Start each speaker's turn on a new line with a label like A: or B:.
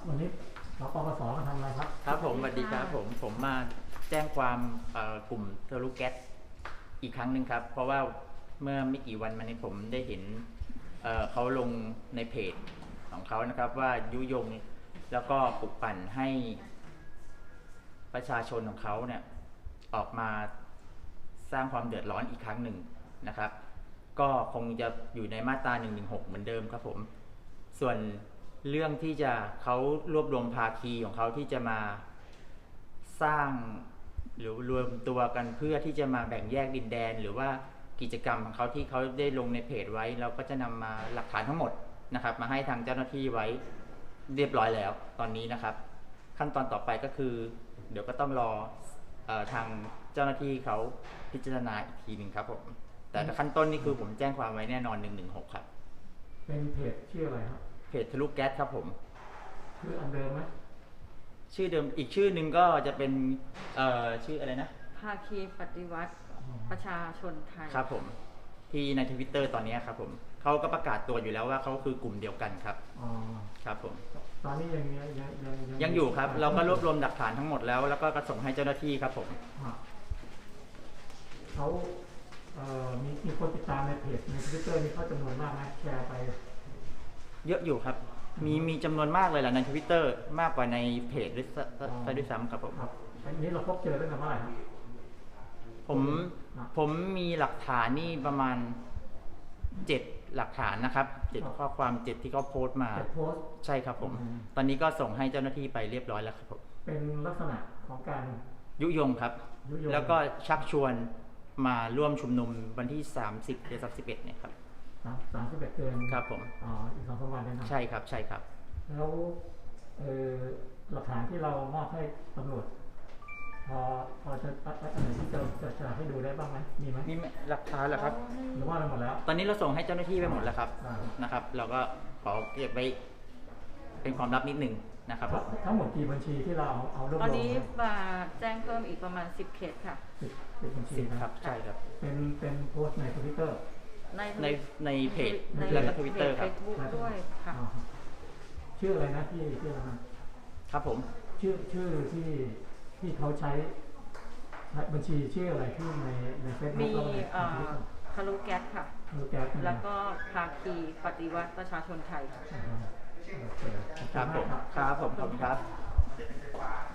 A: วันนี้สปปสมาทำอะไรครับ
B: ครับผมสวัสดีครับผมมาแจ้งความกลุ่มทะลุแก๊สอีกครั้งหนึ่งครับเพราะว่าเมื่อไม่กี่วันมานี้ผมได้เห็นเขาลงในเพจของเขานะครับว่ายุยงแล้วก็ปลุกปั่นให้ประชาชนของเขาเนี่ยออกมาสร้างความเดือดร้อนอีกครั้งหนึ่งนะครับก็คงจะอยู่ในมาตรา116เหมือนเดิมครับผมส่วนเรื่องที่จะเขารวบรวมภาคีของเขาที่จะมาสร้างหรือรวมตัวกันเพื่อที่จะมาแบ่งแยกดินแดนหรือว่ากิจกรรมของเขาที่เขาได้ลงในเพจไว้เราก็จะนำมาหลักฐานทั้งหมดนะครับมาให้ทางเจ้าหน้าที่ไว้เรียบร้อยแล้วตอนนี้นะครับขั้นตอนต่อไปก็คือเดี๋ยวก็ต้องรอทางเจ้าหน้าที่เขาพิจารณาอีกทีหนึ่งครับผมแต่ขั้นต้นนี่คือผมแจ้งความไว้แน่นอน116ครับ
A: เป็นเพจชื่ออะไรครับ
B: เพจทะลุแก๊สครับผม
A: ชื่ออันเดิมไหม
B: ชื่อเดิมอีกชื่อหนึ่งก็จะเป็นชื่ออะไรนะ
C: ภาคีปฏิวัติประชาชนไทย
B: ครับผมที่ใน Twitter ตอนนี้ครับผมเขาก็ประกาศตัวอยู่แล้วว่าเขาคือกลุ่มเดียวกันครับครับผม
A: ตอนนี้
B: ยังอยู่ครับเราก็รวบรวมหลักฐานทั้งหมดแล้วก็ส่งให้เจ้าหน้าที่ครับผม
A: เขามีคนติดตามในเพจใน Twitter นี่เขาจำนวนมากไหมแชร์ไป
B: เยอะอยู่ครับมีจำนวนมากเลยแหละใน Twitter มากกว่าในเพจด้วยซ้ำครับผม
A: อันนี้เราพบเจอตั้งแต่เมื่อไหร่ครับ
B: ผมมีหลักฐานนี่ประมาณ7หลักฐานนะครับ7ข้อความ7ที่เขาโพสต์มาใช่ครับผมตอนนี้ก็ส่งให้เจ้าหน้าที่ไปเรียบร้อยแล้วครับผม
A: เป็นลักษณะของการ
B: ยุยงครับแล้วก็ชักชวนมาร่วมชุมนุมวันที่30 หรือ 31เนี่ยครับ
A: 31เดือน
B: ครับผม
A: อีก2-3 วันนะครับ
B: ใช่ครับใช่ครับ
A: แล้วหลักฐานที่เรามอบให้ตำรวจพอจะให้ดูได้บ้างไหมมีไหม
B: มีหลักฐานเหรอครับ
A: หรือว่าเราหมดแล้ว
B: ตอนนี้เราส่งให้เจ้าหน้าที่ไปหมดแล้วครับนะครับเราก็ขอเก็บไว้เป็นความลับนิดหนึ่งนะครับ
A: ทั้งหมดกี่บัญชีที่เราเอารวบรวม
C: ตอนนี้มาแจ้งเพิ่มอีกประมาณ10 เคสค่ะ
A: 10บัญชี
B: ครับใช่ครับ
A: เป็นโพสต์ใน Twitter
B: ในเพจแล้วก็ Twitter ครับ
C: Facebook ด้วยค่ะ
A: ชื่ออะไรนะที่อะไร
B: ครับผม
A: ชื่อที่เขาใช้บัญชีชื่ออะไรที่ในเฟซบุ๊ก
C: มีทะลุแก๊สค่ะแล้วก็ภาคีปฏิวัติประชาชนไทย
B: ครับผมครับผมครับ